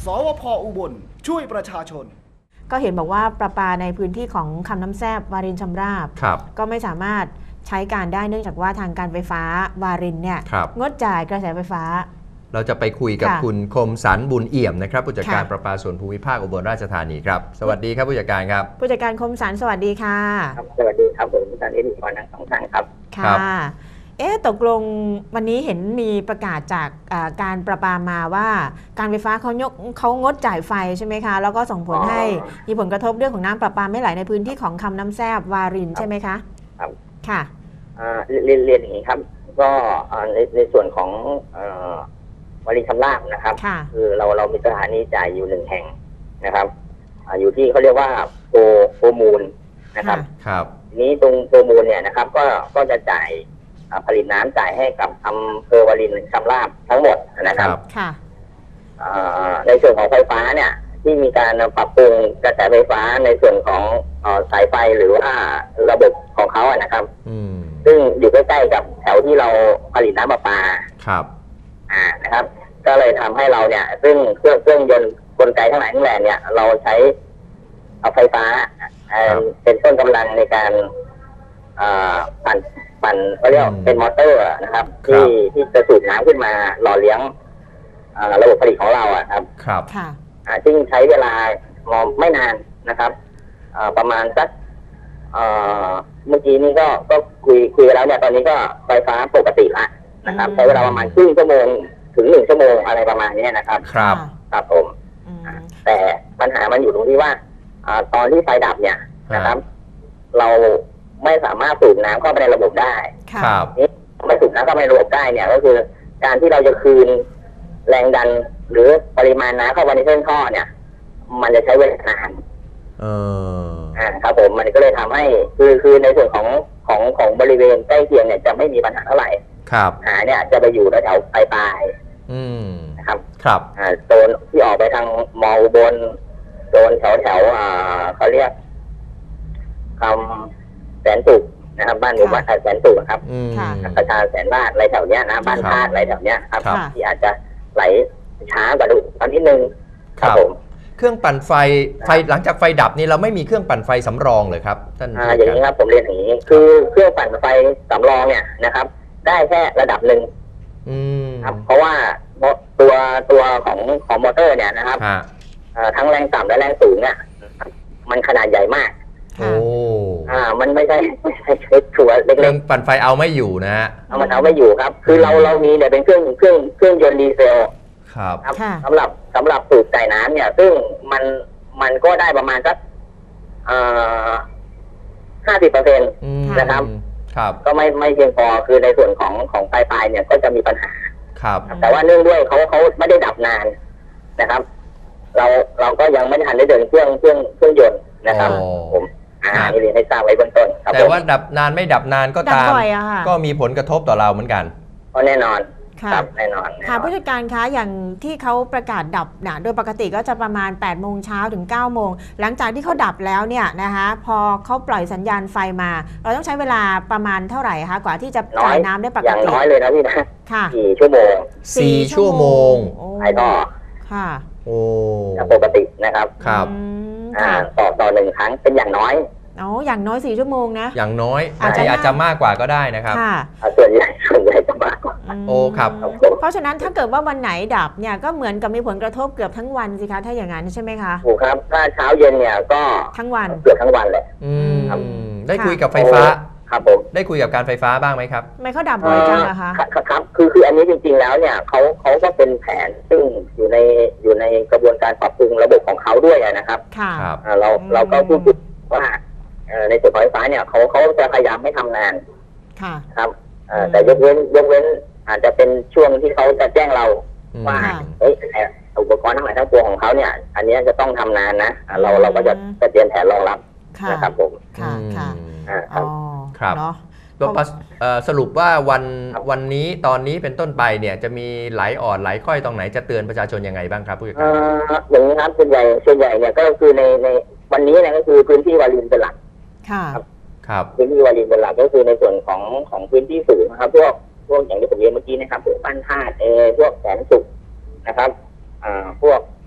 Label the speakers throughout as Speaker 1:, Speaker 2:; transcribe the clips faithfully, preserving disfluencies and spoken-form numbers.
Speaker 1: สวพ.อุบลช่วยประชาชน
Speaker 2: ก็เห็นบอกว่าประปาในพื้นที่ของคำน้ำแซบวารินชำราบก็ไม่สามารถใช้การได้เนื่องจากว่าทางการไฟฟ้าวารินเนี่ยงดจ่ายกระแสไฟฟ้า
Speaker 3: เราจะไปคุยกับคุณคมสันบุญเอี่ยมนะครับผู้จัดการประปาส่วนภูมิภาคอุบลราชธานีครับสวัสดีครับผู้จัดการครับ
Speaker 2: ผู้จัดการคมสันสวัสดีค่ะ
Speaker 4: ครับสวัสดีครับผมผู้จัดการเอ็นอีกทั้งสองท่านครับ
Speaker 2: ค่ะเอ๊ะตกลงวันนี้เห็นมีประกาศจากการประปามาว่าการไฟฟ้าเขายกเขางดจ่ายไฟใช่ไหมคะแล้วก็ส่งผลให้มีผลกระทบเรื่องของน้ำประปาไม่ไหลในพื้นที่ของคำน้ำแซบวารินใช่ไหมคะ
Speaker 4: ครับ
Speaker 2: ค่ะ
Speaker 4: เรียนเรียนอย่างนี้ครับก็ในในส่วนของวารินชำราบนะครับคือเราเรามีสถานีจ่ายอยู่หนึ่งแห่งนะครับอยู่ที่เขาเรียกว่าโพโพมูลนะครับ
Speaker 3: ครับ
Speaker 4: นี้ตรงโพมูลเนี่ยนะครับก็ก็จะจ่ายผลิตน้ำจ่ายให้กับอำเภอวารินชำราบทั้งหมดนะครับ
Speaker 2: ค่ะ
Speaker 4: ในส่วนของไฟฟ้าเนี่ยที่มีการปรับปรุงกระแสไฟฟ้าในส่วนของสายไฟหรือว่าระบบของเขาอะนะครับซึ่งอยู่ใกล้ๆกับแถวที่เราผลิตน้ำประปา
Speaker 3: ครับ
Speaker 4: อ่านะครับก็เลยทำให้เราเนี่ยซึ่งเครื่องเครื่องยนต์กลไกทั้งหลายทั้งแหล่เนี่ยเราใช้เอาไฟฟ้าเป็นต้นกำลังในการปั่นปั่นเขาเรียกเป็นมอเตอร์นะครับที่ที่จะสูบน้ำขึ้นมาหล่อเลี้ยงระบบผลิตของเราอ่ะครับ
Speaker 3: ครับ
Speaker 2: ค่ะ
Speaker 4: ซึ่งใช้เวลาไม่นานนะครับประมาณสักเมื่อกี้นี้ก็ก็คุยคุยแล้วเนี่ยตอนนี้ก็ไฟฟ้าปกติละนะครับใช้เวลาประมาณครึ่งชั่วโมงถึงหนึ่งชั่วโมงอะไรประมาณนี้นะครับ
Speaker 3: ครับ
Speaker 4: ครับผมแต่ปัญหามันอยู่ตรงที่ว่าตอนที่ไฟดับเนี่ยนะครับเราไม่สามารถสูบน้ำเข้าไปในระบบได้
Speaker 3: ครับ
Speaker 4: นี่ไม่สูบน้ำเข้าไปในระบบได้เนี่ยก็คือการที่เราจะคืนแรงดันหรือปริมาณน้ำเข้าไปในเส้นท่อเนี่ยมันจะใช้เวลานาน
Speaker 3: เออ
Speaker 4: อ่าครับผมมันก็เลยทำให้คือคือในส่วนของของของบริเวณใกล้เคียงเนี่ยจะไม่มีปัญหาเท่าไหร่
Speaker 3: ครับ
Speaker 4: หาเนี่ยจะไปอยู่แถวปลายปลาย
Speaker 3: อืม
Speaker 4: นะครับ
Speaker 3: ครับ
Speaker 4: อ่าโซนที่ออกไปทางมออุบลโซนแถวแถวอ่าเขาเรียกคำแสนสุขนะครับบ้านหมู่บ้านแสนสุขครับประชาแสนบ้านอะไรแถวเนี้ยนะบ้านธาตุอะไรแถวเนี้ยครับที่อาจจะไหลช้ากว่าดูตอนนิดนึง
Speaker 3: ครับผมเครื่องปั่นไฟไฟหลังจากไฟดับนี่เราไม่มีเครื่องปั่นไฟสำรองเลยครับท่าน
Speaker 4: อ่าอย่างนี้ครับผมเรียนอย่างนี้คือเครื่องปั่นไฟสำรองเนี่ยนะครับได้แค่ระดับหนึ่งครับเพราะว่าตัวตัวของของมอเตอร์เนี่ยนะครับทั้งแรงต่ำและแรงสูงเนี่ยมันขนาดใหญ่มาก
Speaker 3: โอ้
Speaker 4: อ่ามันไม่ใช่ไม่ใช่ตัวเล็กๆเค
Speaker 3: รื่องปั่นไฟเอาไม่อยู่นะฮะ
Speaker 4: เอามันเอาไม่อยู่ครับคือเราเรามีเนี่ยเป็นเครื่องเครื่องเครื่องยนต์ดีเซล
Speaker 3: ครับ
Speaker 4: สำหรับสำหรับสูบจ่ายน้ำเนี่ยซึ่งมันมันก็ได้ประมาณสักห้าสิบเปอร์เซ็นต์นะครับ
Speaker 3: ครับ
Speaker 4: ก็ไม่ไม่เพียงพอคือในส่วนของของปลายปลายเนี่ยก็จะมีปัญหา
Speaker 3: ครับ
Speaker 4: แต่ว่าเนื่องด้วยเขาเขาไม่ได้ดับนานนะครับเราเราก็ยังไม่ทันได้เดินเครื่องเครื่องเครื่องยนต์นะครับผมอ่าเรียนให้ทราบไว้เบื้องต้น
Speaker 3: แต่ว่าดับนานไม่ดับนานก็ตามก็มีผลกระทบต่อเราเหมือนกัน
Speaker 4: ก็แน่นอนครับแน่นอน
Speaker 2: ค่ะผู้จัดการคะอย่างที่เขาประกาศดับนะโดยปกติก็จะประมาณแปดโมงเช้าถึงเก้าโมงหลังจากที่เขาดับแล้วเนี่ยนะคะพอเขาปล่อยสัญญาณไฟมาเราต้องใช้เวลาประมาณเท่าไหร่คะกว่าที่จะจ่ายน้ำได้ปกติ
Speaker 4: อย่างน้อยเลยนะพี่นะ
Speaker 2: ค่ะ
Speaker 4: สี่ชั่วโมง
Speaker 3: สี่ชั่วโมง
Speaker 4: ไอ้ก็
Speaker 2: ค่ะ
Speaker 3: โอ้
Speaker 4: ปกตินะครับ
Speaker 3: ครับ
Speaker 4: อ่าต่อต่อหนึ่งครั้งเป็นอย่างน้อย
Speaker 2: อ๋ออย่างน้อยสี่ชั่วโมงนะ
Speaker 3: อย่างน้อยอาจจะอาจจะมากกว่าก็ได้นะครับ
Speaker 2: ค่ะ
Speaker 4: ส่วนใหญ่ส่วนใหญ่จะมากกว่า
Speaker 3: โอ้ครับ
Speaker 2: เพราะฉะนั้นถ้าเกิดว่าวันไหนดับเนี่ยก็เหมือนกับมีผลกระทบเกือบทั้งวันสิคะถ้าอย่างนั้นใช่ไหมคะ
Speaker 4: ถูกครับถ้าเช้าเย็นเนี่ยก็
Speaker 2: ทั้งวัน
Speaker 4: เกือบทั้งวันเลย
Speaker 3: อืมได้คุยกับไฟฟ้า
Speaker 4: ครับผม
Speaker 3: ได้คุยกับการไฟฟ้าบ้างไหมครับ
Speaker 2: ไม่เขาดับบ่อยจังอะคะ
Speaker 4: ครับคือคืออันนี้จริงๆแล้วเนี่ยเขาเขาก็เป็นแผนซึ่งอยู่ในอยู่ในกระบวนการปรับปรุงระบบของเขาด้วยนะครับ
Speaker 2: ค่ะ
Speaker 4: เราเราก็พูดว่าในส่วนของไฟฟ้าเนี่ยเขาเขาจะพยายามไม่ทำนาน
Speaker 2: ค่ะ
Speaker 4: ครับแต่ยกเว้นยกเว้นอาจจะเป็นช่วงที่เขาจะแจ้งเราว่าเฮ้ยอุปกรณ์ทั้งหลายทั้งปวงของเขาเนี่ยอันนี้จะต้องทำนานนะเราเราก็จะจะเตรียมแผนรองรับนะครับผม
Speaker 2: ค่ะค่ะ
Speaker 4: อ๋อ
Speaker 3: ครับสรุปว่าวันวันนี้ตอนนี้เป็นต้นไปเนี่ยจะมีไหลอ่อนไหลค่อยตรงไหนจะเตือนประชาชนยังไงบ้างครับผู้จัดการ
Speaker 4: อย่างนี้ครับส่วนใหญ่ส่วนใหญ่เนี่ยก็คือในในวันนี้เนี่ยก็คือพื้นที่วารินเป็นหลัก
Speaker 2: ค่ะ
Speaker 3: ครับ
Speaker 4: พื้นที่วารินเป็นหลักก็คือในส่วนของของพื้นที่สูงนะครับพวกพวกอย่างที่ผมเรียนเมื่อกี้นะครับพวกบ้านธาตุเอพวกแสนสุขนะครับอ่าพวก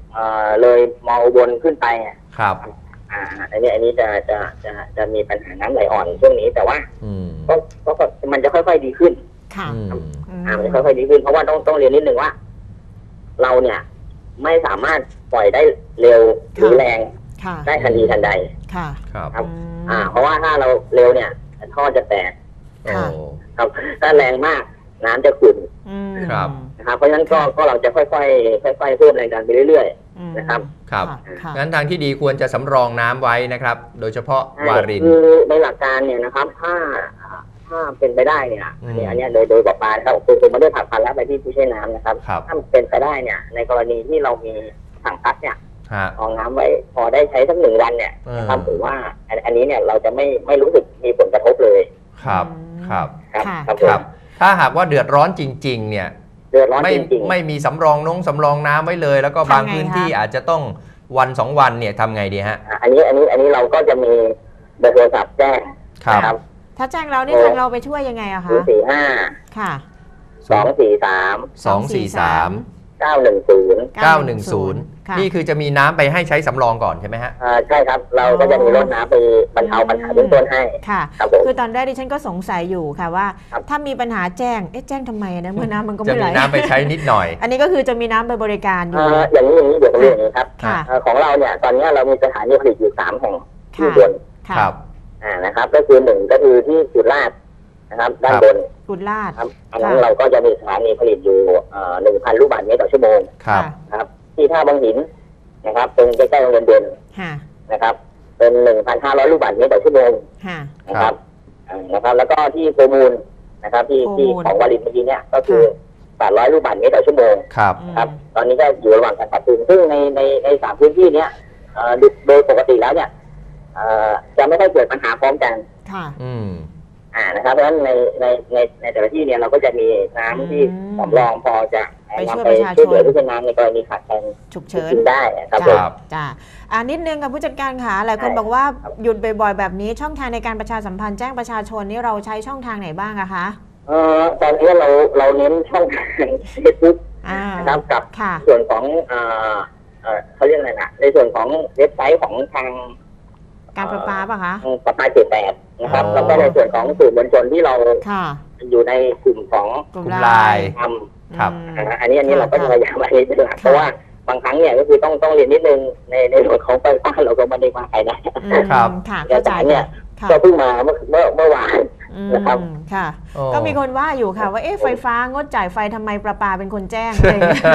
Speaker 4: เอ่อเลยมออุบลขึ้นไปอ่ะ
Speaker 3: ครับ
Speaker 4: อ่าอันนี้อันนี้จะจะจะจะมีปัญหาน้ำไหลอ่อนช่วงนี้แต่ว่า
Speaker 3: อืม
Speaker 4: ก็ก็ก็มันจะค่อยๆดีขึ้น
Speaker 2: ค่ะ
Speaker 3: อืม
Speaker 4: อ่ามันจะค่อยๆดีขึ้นเพราะว่าต้องต้องเรียนนิดนึงว่า เราเนี่ยไม่สามารถปล่อยได้เร็วหรือแรง
Speaker 2: ค่ะ
Speaker 4: ได้ทันทีทันใด
Speaker 2: ค่ะ
Speaker 3: ครับ
Speaker 4: ครับ
Speaker 2: อืม
Speaker 4: อ่า เพราะว่าถ้าเราเร็วเนี่ยท่อจะแตก
Speaker 3: โอ้
Speaker 2: ค่ะ
Speaker 4: ครับถ้าแรงมากน้ำจะขุ่น
Speaker 2: อืม
Speaker 3: ครับ
Speaker 4: นะครับเพราะฉะนั้นก็
Speaker 2: ค่ะ
Speaker 4: ก็เราจะค่อยๆค่อยๆเพิ่มแรงดันไปเรื่อย
Speaker 2: อืม
Speaker 4: นะครับ
Speaker 3: ครับ
Speaker 2: ค่ะ
Speaker 3: งั้นทางที่ดีควรจะสำรองน้ำไว้นะครับ โดยเฉพาะ
Speaker 4: ๆใช่
Speaker 3: วาริน
Speaker 4: คือในหลักการเนี่ยนะครับ ถ้าถ้าเป็นไปได้เนี่ย
Speaker 3: อืม
Speaker 4: อันนี้อันเนี้ยโดยโดยประมาณครับคือผมไม่ได้ผักพันแล้วไปที่ผู้ใช้น้ำนะครับ
Speaker 3: ครับ
Speaker 4: ถ้าเป็นไปได้เนี่ย ในกรณีที่เรามีถังพักเนี่ย
Speaker 3: ฮะ
Speaker 4: รองน้ำไว้พอได้ใช้สักหนึ่งวันเนี่ย
Speaker 3: อืม
Speaker 4: นะครับผมว่าอันอันนี้เนี่ยเราจะไม่ไม่รู้สึกมีผลกระทบเลย
Speaker 3: ครับ ครับ
Speaker 4: ครับ
Speaker 2: ค่ะ
Speaker 4: ครับ
Speaker 3: ค
Speaker 4: ผม
Speaker 3: รับ ถ้าหากว่าเดือดร้อนจริง ๆ เนี่ย
Speaker 4: เดือดร้อน
Speaker 3: ไม่
Speaker 4: จริงๆ
Speaker 3: ไม่มีสำรองนงสำรองน้ำไว้เลย แล้วก็บาง
Speaker 2: ทำไง
Speaker 3: พื้นที่
Speaker 2: คะ
Speaker 3: อาจจะต้องวันสองวันเนี่ยทำไงดีฮะ
Speaker 4: อ่ะอันนี้อันนี้อันนี้เราก็จะมีเบอร์โทรศัพท์แจ้ง
Speaker 3: ครับ
Speaker 4: นะครับ
Speaker 2: ถ้าแจ้งเรานี่ทางเราไปช่วยยังไงอะ
Speaker 4: ศู
Speaker 2: คะ
Speaker 4: นย์สี่ห้า
Speaker 2: ค่ะ
Speaker 4: สองสี่สาม
Speaker 3: สองสี่สาม
Speaker 4: เก้าหนึ่งศูนย์
Speaker 3: เก้าหนึ่งศูนย์
Speaker 2: ค่ะ
Speaker 3: นี่คือจะมีน้ำไปให้ใช้สำรองก่อนใช่ไหมฮะ
Speaker 4: อ่าใช่ครับ เราก็จะมีรถน้ำไปบรรเทาปัญหาเบื้องต้นให้
Speaker 2: ค่ะ
Speaker 4: ครับผม
Speaker 2: คือตอนแรกดิฉันก็สงสัยอยู่ค่ะว่า
Speaker 4: ครับ
Speaker 2: ถ้ามีปัญหาแจ้ง เอ๊ะแจ้งทำไมนะเมื่อน้ำมันก็
Speaker 3: จะ
Speaker 2: ไม่ไหล
Speaker 3: มีน้ำไปใช้นิดหน่อย
Speaker 2: อันนี้ก็คือจะมีน้ำไปบริการอยู่
Speaker 4: เอ่ออย่างนี้อย่างนี้เดี๋ยวผมเรียนอย่างนี้ครับ
Speaker 2: ค่ะ
Speaker 4: เอ่อของเราเนี่ยตอนนี้เรามีสถานีผลิตอยู่สามแห่งที่
Speaker 2: ค่ะ
Speaker 4: บน
Speaker 2: ค่ะ
Speaker 3: ครับ
Speaker 4: อ่านะครับ ก็คือหนึ่งก็คือที่สุราษฎร์นะครับ ด้าน
Speaker 3: ครับ
Speaker 4: บน
Speaker 2: กุฎลาด
Speaker 4: ครับอันนั้น
Speaker 2: ค่ะ
Speaker 4: เราก็จะมีสถานีผลิตอยู่หนึ่งพันลูกบาศก์เมตรต่อชั่วโมง
Speaker 3: ครับ
Speaker 4: นะครับ ที่ท่าบางหินนะครับตรงใกล้ๆโรงเรียนเด่น
Speaker 2: ค่ะ
Speaker 4: นะครับ เป็นหนึ่งพันห้าร้อยลูกบาศก์เมตรต่อชั่วโมง
Speaker 2: ค่ะ
Speaker 4: นะครับอ่านะครับ แล้วก็ที่โพมูลนะครับ ที่
Speaker 2: โพมูล
Speaker 4: ที่ของวารินเมื่อกี้เนี่ยก็คือแปดร้อยลูกบาศก์เมตรต่อชั่วโมง
Speaker 3: ครับ
Speaker 2: อืม
Speaker 4: ครับ ตอนนี้ก็อยู่ระหว่างการปรับปรุงซึ่งในในในสามพื้นที่เนี้ยเอ่อโดยโดยปกติแล้วเนี่ยเอ่อจะไม่ค่อยเกิดปัญหาพร้อมกัน
Speaker 2: ค่ะ
Speaker 3: อืม
Speaker 4: อ่านะครับเพราะฉะนั้นในในในในแต่ละที่เนี่ยเราก็จะมีน้ำที่
Speaker 2: อืม
Speaker 4: สำรองพอจะ
Speaker 2: ไปช่วย
Speaker 4: นำไป
Speaker 2: ประชาชน
Speaker 4: ช่วยเหลือผู้ใช้น้ำในกรณีขาดแคลน
Speaker 2: ฉุกเฉิน
Speaker 4: กินได้นะครับผ
Speaker 3: ค
Speaker 4: ม
Speaker 3: รับ
Speaker 2: จ้าอ่านิดนึงค่ะผู้จัดการค่ะหลายคน
Speaker 4: ใช่
Speaker 2: บอกว่าหยุดบ่อยๆแบบนี้ช่องทางในการประชาสัมพันธ์แจ้งประชาชนนี่เราใช้ช่องทางไหนบ้างอะคะ
Speaker 4: เอ่อตอนนี้เราเราเน้นช่องทางเฟซบุ๊ก
Speaker 2: อ่า
Speaker 4: นะครับกับ
Speaker 2: ค่ะ
Speaker 4: ส่วนของเอ่อเอ่อเขาเรียกอะไรนะในส่วนของเว็บไซต์ของทาง
Speaker 2: การประปาป่ะคะ
Speaker 4: ทางประปาเขตแปดนะครับ
Speaker 3: อ๋อ
Speaker 4: แล้วก็ในส่วนของสื่อมวลชนที่เรา
Speaker 2: ค่ะ
Speaker 4: อยู่ในกลุ่มของ
Speaker 2: กลุ่ม
Speaker 3: กลุ่ม
Speaker 2: ไล
Speaker 3: ไลน์
Speaker 2: น์
Speaker 4: ทำ
Speaker 3: ครับ
Speaker 2: อืม
Speaker 4: นะฮะอันนี้อันนี้
Speaker 2: ค่ะ
Speaker 4: เราก็จะพยายามอันนี้เป็นหลัก
Speaker 2: ค่ะ
Speaker 4: เพราะว่าบางครั้งเนี่ยก็คือต้องต้องเรียนนิดนึงในในส่วนของไฟฟ้าเราก็ไม่ได้มาใครนะ
Speaker 2: อืม
Speaker 3: ครับ
Speaker 2: ค่ะ
Speaker 4: แต่
Speaker 2: เข้าใจ
Speaker 4: เนี่ย
Speaker 2: ค่ะ
Speaker 4: ก็เพิ่งมาเมื่อเมื่อเมื่อวาน
Speaker 2: อืม
Speaker 4: นะครับ
Speaker 2: ค่ะ
Speaker 3: โอ้
Speaker 2: ก็มีคนว่าอยู่ค่ะ ว่าเอ๊ะไฟฟ้างดจ่ายไฟทำไมประปาเป็นคนแจ้งอะไรอย่างเงี้ย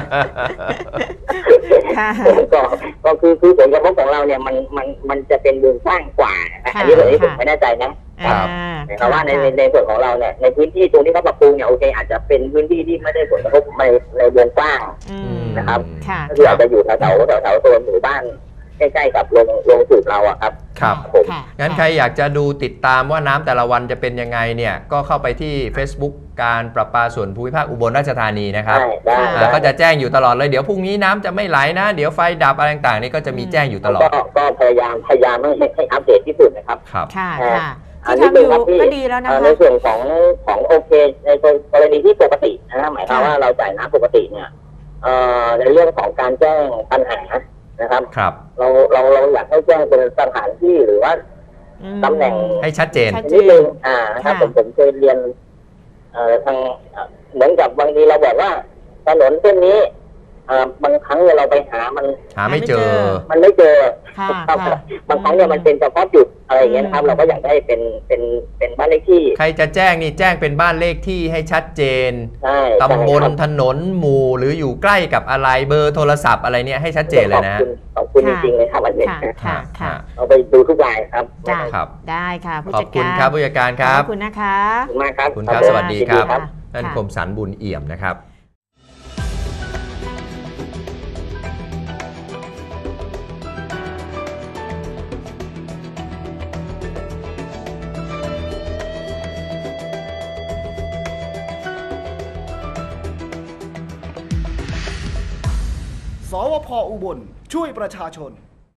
Speaker 2: ค่ะ
Speaker 4: ก็ก็คือคือผลกระทบของเราเนี่ยมันมันมันจะเป็นวงกว้างกว่านะ
Speaker 2: ค่ะ
Speaker 4: อันนี้ผมนี้ผม
Speaker 2: ค่ะ
Speaker 4: ไม่แน่ใจนะ
Speaker 3: ครับ
Speaker 2: อ่า
Speaker 4: แต่ว่าในใน
Speaker 2: ค่ะ
Speaker 4: ในส่วนของเราเนี่ยในพื้นที่ตรงที่เขาปรับปรุงเนี่ยโอเคอาจจะเป็นพื้นที่ที่ไม่ได้ผลกระทบในในวงกว้าง
Speaker 2: อืม
Speaker 4: นะครับ
Speaker 2: ค่ะ
Speaker 4: ก็คืออาจจะอยู่แถวแถวแถวแถวโซนหมู่บ้านใกล้ๆกับโรงโรงสูบเราอะครับ
Speaker 3: ครับ
Speaker 4: ผม
Speaker 2: ค่ะ
Speaker 3: งั้นใครอยากจะดูติดตามว่าน้ำแต่ละวันจะเป็นยังไงเนี่ยก็เข้าไปที่ Facebook การประปาส่วนภูมิภาคอุบลราชธานีนะครับ
Speaker 4: ได้ได้
Speaker 3: อ่า
Speaker 4: ได้
Speaker 3: ก็จะแจ้งอยู่ตลอดเลยเดี๋ยวพรุ่งนี้น้ำจะไม่ไหลนะ เดี๋ยวไฟดับอะไรต่างๆนี่ก็จะมีแจ้งอยู่ตลอด
Speaker 4: ก็ก็พยายามพยายามให้ให้อัปเดตที่สุดนะครับ
Speaker 3: ครับ
Speaker 2: ค่ะ
Speaker 4: อ่า
Speaker 2: ค่ะ
Speaker 4: อัน
Speaker 2: ที่
Speaker 4: นี้
Speaker 2: ทำอยู่
Speaker 4: ครับที่
Speaker 2: ก็ดีแล้วนะ
Speaker 4: เอ่อ
Speaker 2: คะ
Speaker 4: ในส่วนของของโอเคในกรณีที่ปกตินะฮะหมายความ
Speaker 2: ค่ะ
Speaker 4: ว่าเราจ่ายน้ำปกติเนี่ยเอ่อในเรื่องของการแจ้งปัญหานะครับ
Speaker 3: ครับ
Speaker 4: เราเราเราอยากให้แจ้งเป็นสถานที่หรือว่า
Speaker 2: อืม
Speaker 4: ตำแหน่ง
Speaker 3: ให้ชัดเจน
Speaker 2: ชัด
Speaker 4: นิดนึงอ่านะครับ
Speaker 2: ค่ะ
Speaker 4: ผมผมเคยเรียนเอ่อทางเอ่อเหมือนกับบางทีเราบอกว่าถนนเส้นนี้อ่าบางครั้งเนี่ยเราไปหามัน
Speaker 3: หาไม่เจอ
Speaker 4: มันไม่เจอ
Speaker 2: ค่ะ
Speaker 4: ครับ
Speaker 2: ค่ะ
Speaker 4: บางครั้งเนี่ยมันเป็นเฉพาะจุดอะไรอย่างเงี้ยนะครับ เราก็อยากได้เป็นเป็นเป็นบ้านเลขที่
Speaker 3: ใครจะแจ้งนี่แจ้งเป็นบ้านเลขที่ให้ชัดเจน
Speaker 4: ใช่
Speaker 3: ตำบล
Speaker 4: ใช่ครับ
Speaker 3: ถนนหมู่หรืออยู่ใกล้กับอะไรเบอร์โทรศัพท์อะไรเนี่ยให้ชัดเจนเลยนะ
Speaker 4: ขอบคุณขอบคุณจ
Speaker 2: ค่ะ
Speaker 4: ริงๆเลยครับอันนี้
Speaker 2: ค่ะค่ะค่ะ
Speaker 4: เอาไปดูทุกรายครับ
Speaker 2: จ้ะ
Speaker 3: ครับ
Speaker 2: ได้ค่ะผู้
Speaker 3: ขอ
Speaker 2: จั
Speaker 3: บ
Speaker 2: ด
Speaker 3: คุณ
Speaker 2: การ
Speaker 3: ครับผู้จัดการครับ
Speaker 2: ขอบคุณนะคะ
Speaker 4: ขอบคุณมากครับ
Speaker 3: คุณครับ
Speaker 4: ผม
Speaker 3: สวัสดีครับ
Speaker 4: ครับ
Speaker 3: ท่าน
Speaker 2: ค่ะ
Speaker 3: คมสันบุญเอี่ยมนะครับ
Speaker 1: สวพอุบลช่วยประชาชน